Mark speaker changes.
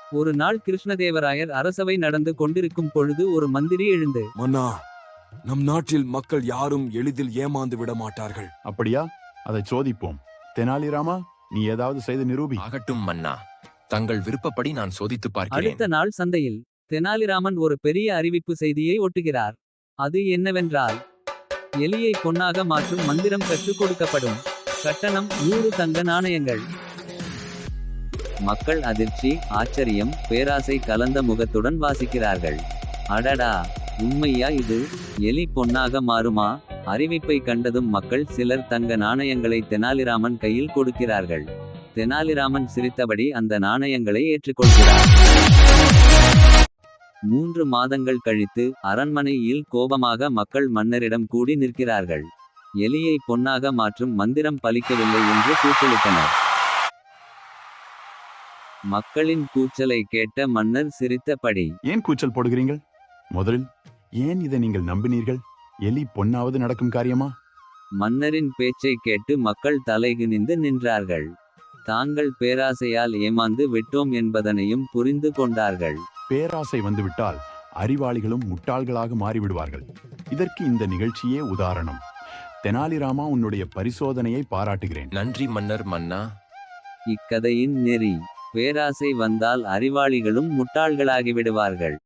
Speaker 1: ஒரு நாள் கிருஷ்ணதேவராயர் அரசவை நடந்து கொண்டிருக்கும் பொழுது ஒரு மந்திரி எழுந்து,
Speaker 2: மன்னா, நம் நாட்டில் மக்கள் யாரும் எளிதில் ஏமாந்து விட மாட்டார்கள்.
Speaker 3: அப்படியா? அதை சோதிப்போம். தெனாலிராமா, நீ ஏதாவது செய்து நிரூபி.
Speaker 4: ஆகட்டும் மன்னா, தங்கள் விருப்பப்படி நான் சோதித்து பார்க்கிறேன்.
Speaker 1: அடுத்த நாள் சந்தையில் தெனாலிராமன் ஒரு பெரிய அறிவிப்பு செய்தியை ஒட்டுகிறார். அது என்னவென்றால், எலியை பொன்னாக மாற்றும் மந்திரம் கற்றுக் கொடுக்கப்படும். கட்டணம் 100 தங்க நாணயங்கள். மக்கள் அதிர்ச்சி, ஆச்சரியம், பேராசை கலந்த முகத்துடன் வாசிக்கிறார்கள். அடடா, உண்மையா இது? எலி பொன்னாக மாறுமா? அறிவிப்பை கண்டதும் மக்கள் சிலர் தங்க நாணயங்களை தெனாலிராமன் கையில் கொடுக்கிறார்கள். தெனாலிராமன் சிரித்தபடி அந்த நாணயங்களை ஏற்றுக்கொள்கிறார். 3 மாதங்கள் கழித்து அரண்மனையில் கோபமாக மக்கள் மன்னரிடம் கூடி நிற்கிறார்கள். எலியை பொன்னாக மாற்றும் மந்திரம் பலிக்கவில்லை என்று கூச்சலிட்டனர். மக்களின் கூச்சலை கேட்ட மன்னர் சிரித்தபடி,
Speaker 3: ஏன் கூச்சல் போடுகிறீர்கள்? முதலில் ஏன் இதை நீங்கள் நம்பினீர்கள்? எலி பொன்னாவது நடக்கும் காரியமா?
Speaker 1: மன்னரின் பேச்சை கேட்டு மக்கள் தலைகுனிந்து நின்றார்கள். தாங்கள் பேராசையால் ஏமாந்து விட்டோம் என்பதனையும் புரிந்து கொண்டார்கள்.
Speaker 3: பேராசை வந்துவிட்டால் அறிவாளிகளும் முட்டாள்களாக மாறிவிடுவார்கள். இதற்கு இந்த நிகழ்ச்சியே உதாரணம். தெனாலிராமா, உன்னுடைய பரிசோதனையை பாராட்டுகிறேன்.
Speaker 4: நன்றி மன்னர். மன்னா,
Speaker 1: இக்கதையின் நெறி: பேராசை வந்தால் அறிவாளிகளும் முட்டாள்களாகிவிடுவார்கள்.